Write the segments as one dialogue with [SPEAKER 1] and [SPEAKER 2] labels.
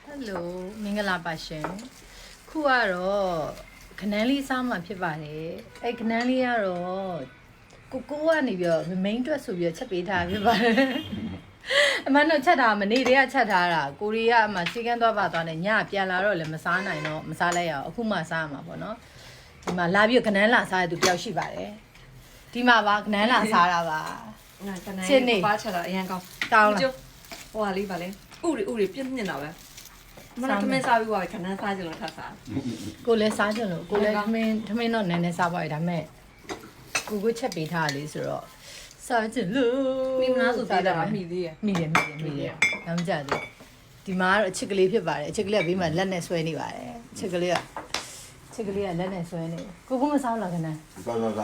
[SPEAKER 1] Hello မင်္ဂလာပါရှင်ခုကတော့ခနန်းလေးစားမှဖြစ်ပါတယ်အဲ့ခနန်းလေးကတော့ကိုကနေပြီးတော့ main အတွက်ဆိုပြီးတော့ချက်ပေးထားဖြစ်ပါတယ်အမှန်တော့ချက်တာမနေ့တည်းကချက်ထားတာကိုရီးယားမှာစီကန်းသွားပါသွားနေညပြန်လာတော့လည်းမစားနိုင်တော့မစားလိုက်ရအောင်အခုမှစားရမှာပေါ့နော်ဒီမှာလာပြီးခနန်းလာစားရသူတယောက်ရှိပါတယ်ဒီမှာပါခနန်းလာစားတာပါ
[SPEAKER 2] ငါခနန်းပါချက်တာအရင်ကောင်း
[SPEAKER 1] လား
[SPEAKER 2] ဟိုဟာလေးပါလေဥရီပြင်းနေတာပဲမနက်ခမင်းစားပြီးသွားခနန်းစားကြလို့ထပ်စား
[SPEAKER 1] ကိုလည်းစားကြလို့ကိုလည်းထမင်းတော့နည်းနည်းစားပါရဒါမဲ့ကိုချက်ပေးထားလေးဆိုတော့စားကြလို့
[SPEAKER 2] မိမလားဆိုသေးတယ်မိသေးရ
[SPEAKER 1] မိတယ်နောက်ကြတယ်ဒီမှာကတော့အချစ်ကလေးဖြစ်ပါတယ်အချစ်ကလေးကဘေးမှာလက်နဲ့ဆွဲနေပါတယ်အချစ်ကလေးကလက်နဲ့ဆွဲနေကိုမစားလားခဏ
[SPEAKER 3] စားကို
[SPEAKER 1] နော်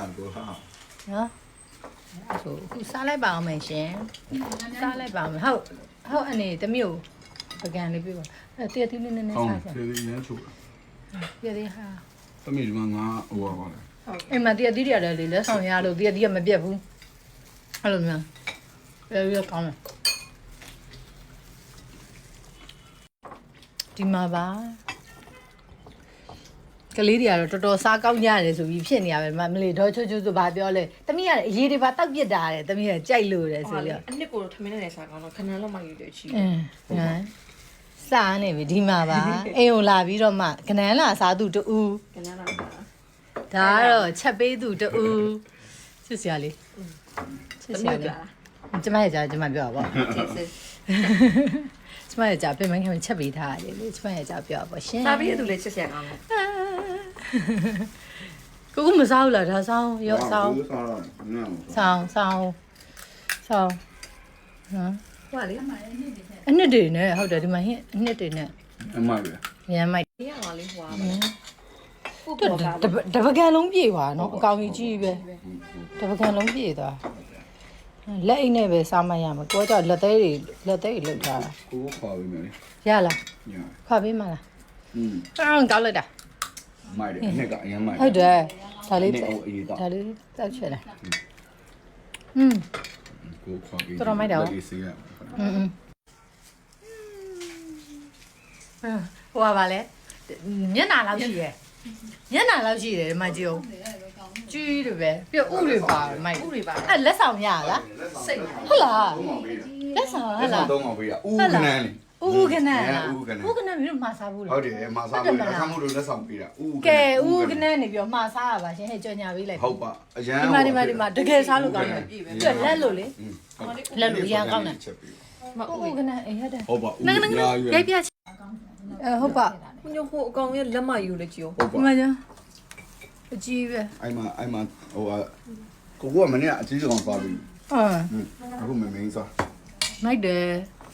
[SPEAKER 1] အဲ့ဆိုခုစားလိုက်ပါအောင်မယ်ရှင်စားလိုက်ပါမယ်ဟုတ်အနေတမျိုးပကံလေးပြပါအဲ့တရတီလေးနည်းနည်းစားကြ
[SPEAKER 3] တယ်ဒီရမ်းချို့
[SPEAKER 1] တရတီဟာ
[SPEAKER 3] တမီဒီမှာငါဟိုပါပါလေ
[SPEAKER 1] အဲ့မှာတရတီရတယ်လေလက်ဆောင်ရလို့တရတီကမပြတ်ဘူးအဲ့လိုမျိုးအဲ့ကောင်းတယ်ဒီမှာပါကလေးတွေကတော့တော်တော်စားကောင်းကြရတယ်ဆိုပြီးဖြစ်နေရပဲမလေးတော့ချိုးဆိုဘာပြောလဲတမီးကအရေးတွေပါတောက်ပြစ်တာတယ်တမီးကကြိုက်လို့တယ်ဆိုလို့
[SPEAKER 2] အနှစ်ကိုထမင်းနဲ့စားကောင်းတော့ခဏလောက်မှယူတယ်ချီ
[SPEAKER 1] စားနေပြီဒီမှာပါအိမ်ကိုလာပြီးတော့မှခနန်းလာစားသူတူ
[SPEAKER 2] ခနန်းလာ
[SPEAKER 1] ဒါကတော့ချက်ပေးသူတူချစ်စရာလေး
[SPEAKER 2] ကျမရဲ့
[SPEAKER 1] ကြားကျမပြောပါဗောကျမရဲ့ကြားပြင်မခင်ချက်ပေးထားရတယ်လေကျမရဲ့ကြားပြောပါဗောရှင်
[SPEAKER 2] စားပြီးရသူလည်းချစ်စရာကောင်းတယ်
[SPEAKER 1] ကိုမစားဘူးလားဒါဆောင်းရောဆောင်းနော်
[SPEAKER 2] ဟိုလေ
[SPEAKER 1] အနှစ်တွေနဲ့ဟုတ်တယ်ဒီမှာဟင်းအနှစ်တွေနဲ့
[SPEAKER 3] အမပဲ
[SPEAKER 1] ရမ်းမိုက်
[SPEAKER 2] ရအောင်လေးဟွာ
[SPEAKER 1] တပကံလုံးပြေသွားနော်အကောင်ကြီးပဲတပကံလုံးပြေသွားလက်အိတ်နဲ့ပဲစားမရမှာကိုကကြောက်လက်သေးတွေလောက်ထားတာ
[SPEAKER 3] ကိုခွာပေးမယ်
[SPEAKER 1] ရလားခွာပေးမလားကောင်းလိုက်တာ
[SPEAKER 3] မိုက်တယ်အနှစ်ကအရင်မိုက်
[SPEAKER 1] ဟုတ်တယ်ဒါလေးတောက်ချက်လာ
[SPEAKER 3] ကိုခွာပေး
[SPEAKER 1] တော်မိုက်တော့ဟိုပါလေမျက်နှာလောက်ရှိရဲ့မျက်နှာလောက်ရှိတယ်မကြည့်အောင်ကြီးတယ်ပဲပြဥတွေပါမိုက်
[SPEAKER 2] ဥတွေပါ
[SPEAKER 1] အဲ့လက်ဆောင်ရလား
[SPEAKER 2] စိတ်
[SPEAKER 1] ဟုတ်လားလက်ဆောင်ဟုတ်လား
[SPEAKER 3] တော့အောင်ပေးရဥခနန်း
[SPEAKER 1] လေဥခနန်းမျိုးမှာစားဘူးလား
[SPEAKER 3] ဟုတ်တယ်မှာစားဘူးအခမှုလို့လက်ဆောင်ပေးတာ
[SPEAKER 1] ကဲဥခနန်းနေပြီးမှာစားရပါရှင်ဟဲ့ကြော်ညာပေးလိုက်
[SPEAKER 3] ဟုတ်ပါအရန်
[SPEAKER 1] ဒီမှာတကယ်စားလို့ကောင်းတယ်ပြလက်လို့လေလက်လို့ရန်ကောင်းတယ်ဥခနန်းအေးဟုတ်တယ်
[SPEAKER 3] ဟုတ်ပါဥ
[SPEAKER 1] ရိုက်ပြဟုတ်ပါ
[SPEAKER 2] ညို့ဟိုအကောင်ရဲ့လက်မယူလေကြည့်
[SPEAKER 1] ဟုတ်ပါမှန်ကြအကြီးပဲ
[SPEAKER 3] အဲ့မှာဟိုကိုကမနေ့ကအကြီးဆုံးသွားပြီအခုမင်းစား
[SPEAKER 1] မိုက်တယ်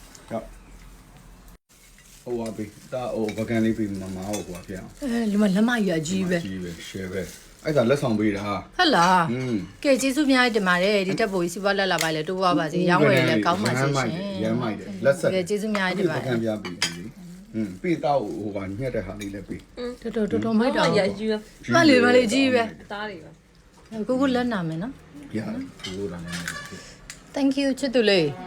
[SPEAKER 3] ဟိုပါပြီဒါဟိုဗကန်လေးပြီးမမဟိုကွာဖြစ်အောင်
[SPEAKER 1] ဒီမှာလက်မကြီးအကြီးပဲ
[SPEAKER 3] share ပဲအဲ့ဒါလက်ဆောင်ပေးတာ
[SPEAKER 1] ဟုတ်လားကဲကျေးဇူးအများကြီးတင်ပါတယ်ဒီတက်ဖို့ကြီးစီးပွားလက်လာပါလေတိုးပွားပါစေရောင်းဝယ်လည်းကောင်းပါစေရှင်
[SPEAKER 3] ရမ်းမိုက်တယ်လက်ဆက်ကဲ
[SPEAKER 1] ကျေးဇူးအများကြီးတင်ပါတယ်
[SPEAKER 3] ဗကန်ပြပြီးပြီးတော့ဟိုကညက်တဲ့ဟာလေးလည်းပြီး
[SPEAKER 1] တော်မိုက်တော့
[SPEAKER 2] ရယူ
[SPEAKER 1] မလေးကြီးပဲ
[SPEAKER 2] တားတွေပဲ
[SPEAKER 1] ကိုလက်နာမယ်နော်
[SPEAKER 3] ရကိုလာမယ်
[SPEAKER 1] Thank you ချစ်သူလေး